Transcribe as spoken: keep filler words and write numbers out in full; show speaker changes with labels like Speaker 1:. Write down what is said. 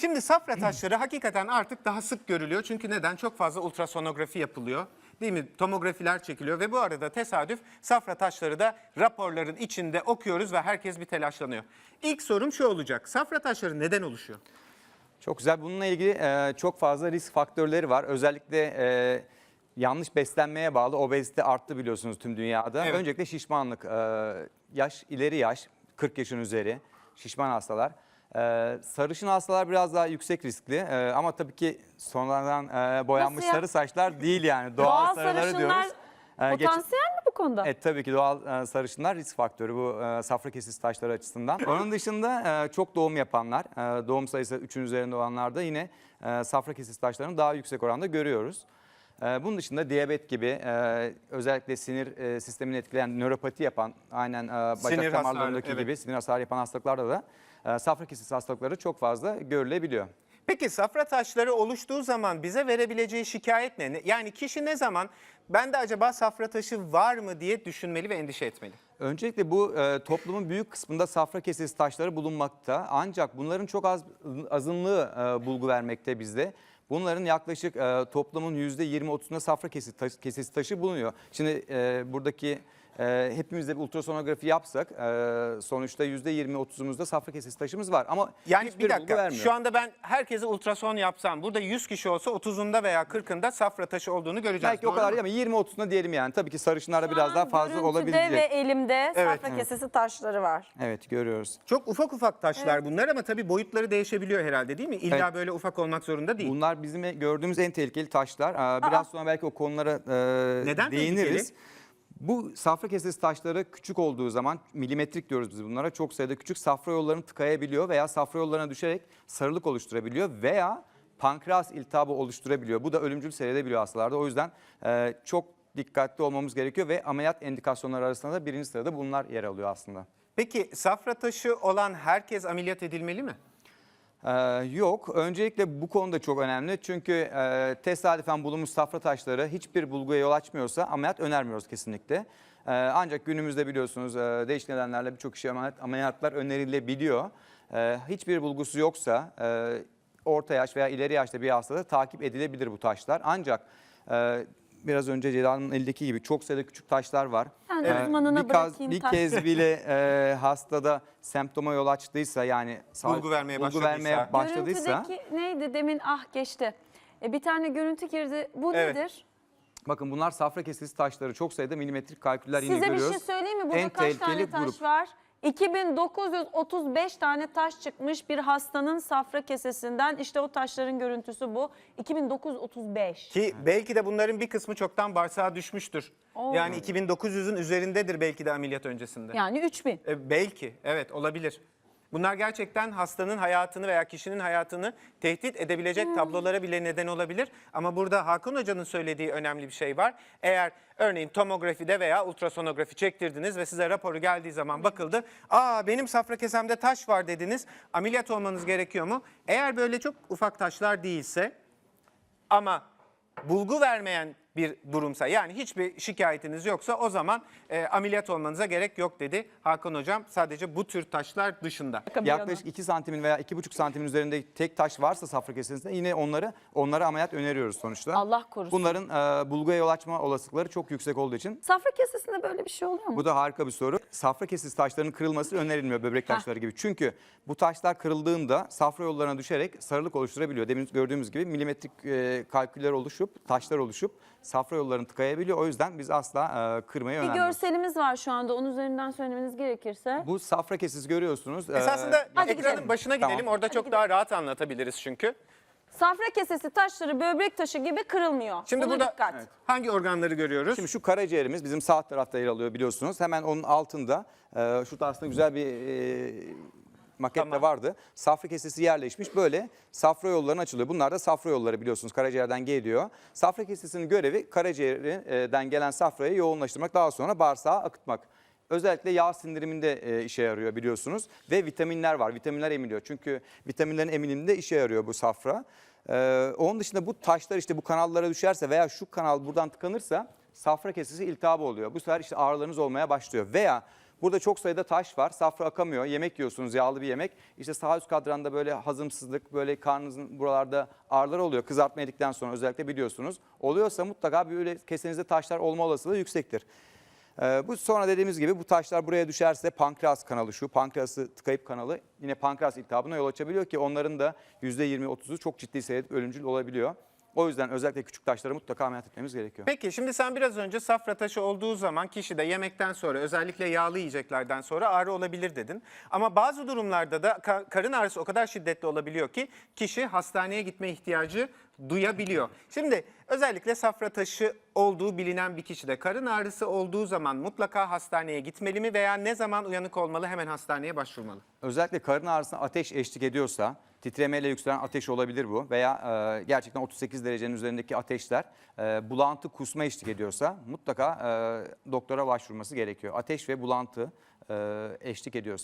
Speaker 1: Şimdi safra taşları hakikaten artık daha sık görülüyor. Çünkü neden? Çok fazla ultrasonografi yapılıyor. Değil mi? Tomografiler çekiliyor ve bu arada tesadüf safra taşları da raporların içinde okuyoruz ve herkes bir telaşlanıyor. İlk sorum şu olacak. Safra taşları neden oluşuyor?
Speaker 2: Çok güzel. Bununla ilgili e, çok fazla risk faktörleri var. Özellikle e, yanlış beslenmeye bağlı obezite arttı biliyorsunuz tüm dünyada.
Speaker 1: Evet.
Speaker 2: Öncelikle şişmanlık, e, yaş ileri yaş, kırk yaşın üzeri şişman hastalar. E, sarışın hastalar biraz daha yüksek riskli e, ama tabii ki sonradan e, boyanmış
Speaker 3: Nasıl ya?
Speaker 2: sarı saçlar değil yani. Doğal,
Speaker 3: Doğal
Speaker 2: sarıları
Speaker 3: sarışınlar
Speaker 2: diyoruz. E, geç-
Speaker 3: potansiyel mi bu konuda?
Speaker 2: Evet tabii ki doğal e, sarışınlar risk faktörü bu e, safra kesesi taşları açısından. Onun dışında e, çok doğum yapanlar, e, doğum sayısı üçün üzerinde olanlarda yine e, safra kesesi taşlarını daha yüksek oranda görüyoruz. E, bunun dışında diyabet gibi e, özellikle sinir e, sistemini etkileyen nöropati yapan, aynen e, bacak
Speaker 1: Sinir hasarı,
Speaker 2: damarlarındaki
Speaker 1: evet.
Speaker 2: gibi sinir hasarı yapan hastalıklarda da e, safra kesesi hastalıkları çok fazla görülebiliyor.
Speaker 1: Peki safra taşları oluştuğu zaman bize verebileceği şikayet ne? Yani kişi ne zaman bende acaba safra taşı var mı diye düşünmeli ve endişe etmeli?
Speaker 2: Öncelikle bu e, toplumun büyük kısmında safra kesesi taşları bulunmakta. Ancak bunların çok az azınlığı e, bulgu vermekte bizde. Bunların yaklaşık e, toplumun yüzde yirmi otuzunda safra kesesi, taş, kesesi taşı bulunuyor. Şimdi e, buradaki e, hepimiz de bir ultrasonografi yapsak e, sonuçta yüzde yirmi otuzumuzda safra kesesi taşımız var. Ama
Speaker 1: Yani
Speaker 2: hiçbir
Speaker 1: bir
Speaker 2: bulgu
Speaker 1: dakika
Speaker 2: vermiyor.
Speaker 1: şu anda ben herkese ultrason yapsam burada yüz kişi olsa otuzunda veya kırkında safra taşı olduğunu göreceğiz.
Speaker 2: Belki o
Speaker 1: Doğru
Speaker 2: kadar
Speaker 1: mu?
Speaker 2: değil ama yirmi otuzunda diyelim yani. Tabii ki sarışınlarda
Speaker 3: Şu
Speaker 2: biraz
Speaker 3: an
Speaker 2: daha fazla
Speaker 3: görüntüde
Speaker 2: olabilecek.
Speaker 3: ve elimde
Speaker 1: Evet,
Speaker 3: safra
Speaker 1: evet.
Speaker 3: kesesi taşları var.
Speaker 2: Evet görüyoruz.
Speaker 1: Çok ufak ufak taşlar bunlar ama tabii boyutları değişebiliyor herhalde değil mi? İlla
Speaker 2: Evet.
Speaker 1: böyle ufak olmak zorunda değil.
Speaker 2: Bunlar bizim gördüğümüz en tehlikeli taşlar. Aa, Biraz sonra belki o konulara e,
Speaker 1: Neden
Speaker 2: değiniriz.
Speaker 1: tehlikeli?
Speaker 2: Bu safra kesesi taşları küçük olduğu zaman milimetrik diyoruz biz bunlara. Çok sayıda küçük safra yollarını tıkayabiliyor veya safra yollarına düşerek sarılık oluşturabiliyor veya pankreas iltihabı oluşturabiliyor. Bu da ölümcül seyredebiliyor hastalarda. O yüzden e, çok dikkatli olmamız gerekiyor ve ameliyat indikasyonları arasında da birinci sırada bunlar yer alıyor aslında.
Speaker 1: Peki safra taşı olan herkes ameliyat edilmeli mi?
Speaker 2: Ee, yok. Öncelikle bu konuda çok önemli. Çünkü e, tesadüfen bulunmuş safra taşları hiçbir bulguya yol açmıyorsa ameliyat önermiyoruz kesinlikle. Ee, ancak günümüzde biliyorsunuz e, değişik nedenlerle birçok kişi ameliyat, ameliyatlar önerilebiliyor. Ee, hiçbir bulgusu yoksa e, orta yaş veya ileri yaşta bir hastada takip edilebilir bu taşlar. Ancak e, biraz önce Ceyda'nın elindeki gibi çok sayıda küçük taşlar var.
Speaker 3: Ben
Speaker 2: Ee,
Speaker 3: uzmanına
Speaker 2: bir, kaz-
Speaker 3: bırakayım
Speaker 2: bir
Speaker 3: taş.
Speaker 2: kez bile e, hastada semptoma yol açtıysa yani sağ-
Speaker 1: Bulgu vermeye
Speaker 2: bulgu
Speaker 1: başladıysa.
Speaker 2: vermeye başladıysa
Speaker 3: Görüntüdeki neydi demin ah geçti. E, bir tane görüntü girdi. Bu
Speaker 1: Evet.
Speaker 3: nedir?
Speaker 2: bakın bunlar safra kesesi taşları çok sayıda milimetrik kalküller yine
Speaker 3: Size bir
Speaker 2: görüyoruz.
Speaker 3: şey söyleyeyim mi? Burada
Speaker 2: En
Speaker 3: kaç tane
Speaker 2: tehlikeli
Speaker 3: taş
Speaker 2: grup.
Speaker 3: var? iki bin dokuz yüz otuz beş tane taş çıkmış bir hastanın safra kesesinden. İşte o taşların görüntüsü bu. iki bin dokuz yüz otuz beş.
Speaker 1: Ki belki de bunların bir kısmı çoktan bağırsağa düşmüştür.
Speaker 3: Oo.
Speaker 1: Yani iki bin dokuz yüzün üzerindedir belki de ameliyat öncesinde.
Speaker 3: Yani üç bin.
Speaker 1: E, belki, evet olabilir. Bunlar gerçekten hastanın hayatını veya kişinin hayatını tehdit edebilecek tablolara bile neden olabilir. Ama burada Hakan Hoca'nın söylediği önemli bir şey var. Eğer örneğin tomografide veya ultrasonografi çektirdiniz ve size raporu geldiği zaman bakıldı. Aa benim safra kesemde taş var dediniz. Ameliyat olmanız gerekiyor mu? Eğer böyle çok ufak taşlar değilse ama bulgu vermeyen bir durumsa yani hiçbir şikayetiniz yoksa o zaman e, ameliyat olmanıza gerek yok dedi Hakan Hocam. Sadece bu tür taşlar dışında.
Speaker 2: Yaklaşık iki santimin veya iki buçuk santimin üzerinde tek taş varsa safra kesesinde yine onları onlara ameliyat öneriyoruz sonuçta.
Speaker 3: Allah korusun.
Speaker 2: Bunların e, bulguya yol açma olasılıkları çok yüksek olduğu için
Speaker 3: Safra kesesinde böyle bir şey oluyor mu?
Speaker 2: bu da harika bir soru. Safra kesesi taşlarının kırılması önerilmiyor böbrek taşları gibi. Çünkü bu taşlar kırıldığında safra yollarına düşerek sarılık oluşturabiliyor. Demin gördüğümüz gibi milimetrik e, kalküller oluşup, taşlar oluşup safra yollarını tıkayabiliyor. O yüzden biz asla e, kırmayı
Speaker 3: Bir
Speaker 2: önermiyoruz.
Speaker 3: görselimiz var şu anda. Onun üzerinden söylemeniz gerekirse.
Speaker 2: Bu safra kesesi görüyorsunuz. Ee,
Speaker 1: Esasında
Speaker 3: Hadi
Speaker 1: ekranın
Speaker 3: gidelim.
Speaker 1: başına gidelim.
Speaker 2: Tamam.
Speaker 1: Orada çok daha rahat anlatabiliriz çünkü.
Speaker 3: Safra kesesi taşları böbrek taşı gibi kırılmıyor.
Speaker 1: Şimdi
Speaker 3: Buna
Speaker 1: burada
Speaker 3: dikkat.
Speaker 1: hangi organları görüyoruz?
Speaker 2: Şimdi şu karaciğerimiz bizim sağ tarafta yer alıyor biliyorsunuz. Hemen onun altında e, şurada aslında güzel bir e, maket
Speaker 1: Tamam.
Speaker 2: de vardı. Safra kesesi yerleşmiş böyle safra yollarına açılıyor. Bunlar da safra yolları biliyorsunuz karaciğerden geliyor. Safra kesesinin görevi karaciğerden gelen safrayı yoğunlaştırmak daha sonra bağırsağa akıtmak. Özellikle yağ sindiriminde e, işe yarıyor biliyorsunuz ve vitaminler var. Vitaminler emiliyor çünkü vitaminlerin emiliminde işe yarıyor bu safra. Ee, onun dışında bu taşlar işte bu kanallara düşerse veya şu kanal buradan tıkanırsa safra kesesi iltihabı oluyor. Bu sefer işte ağrılarınız olmaya başlıyor veya Burada çok sayıda taş var. Safra akamıyor. Yemek yiyorsunuz, yağlı bir yemek. İşte sağ üst kadranda böyle hazımsızlık, böyle karnınızın buralarda ağrılar oluyor. Kızartma yedikten sonra özellikle biliyorsunuz. Oluyorsa mutlaka böyle kesenizde taşlar olma olasılığı yüksektir. Ee, bu sonra dediğimiz gibi bu taşlar buraya düşerse pankreas kanalı şu. Pankreası tıkayıp kanalı yine pankreas iltihabına yol açabiliyor ki onların da yüzde yirmi otuzu çok ciddi seviyede ölümcül olabiliyor. O yüzden özellikle küçük taşları mutlaka ameliyat etmemiz gerekiyor.
Speaker 1: Peki şimdi sen biraz önce safra taşı olduğu zaman kişide yemekten sonra özellikle yağlı yiyeceklerden sonra ağrı olabilir dedin. Ama bazı durumlarda da ka- karın ağrısı o kadar şiddetli olabiliyor ki kişi hastaneye gitme ihtiyacı duyabiliyor. Şimdi özellikle safra taşı olduğu bilinen bir kişide karın ağrısı olduğu zaman mutlaka hastaneye gitmeli mi veya ne zaman uyanık olmalı, hemen hastaneye başvurmalı?
Speaker 2: Özellikle karın ağrısına ateş eşlik ediyorsa, titremeyle yükselen ateş olabilir bu veya e, gerçekten otuz sekiz derecenin üzerindeki ateşler, e, bulantı, kusma eşlik ediyorsa mutlaka e, doktora başvurması gerekiyor. Ateş ve bulantı e, eşlik ediyorsa.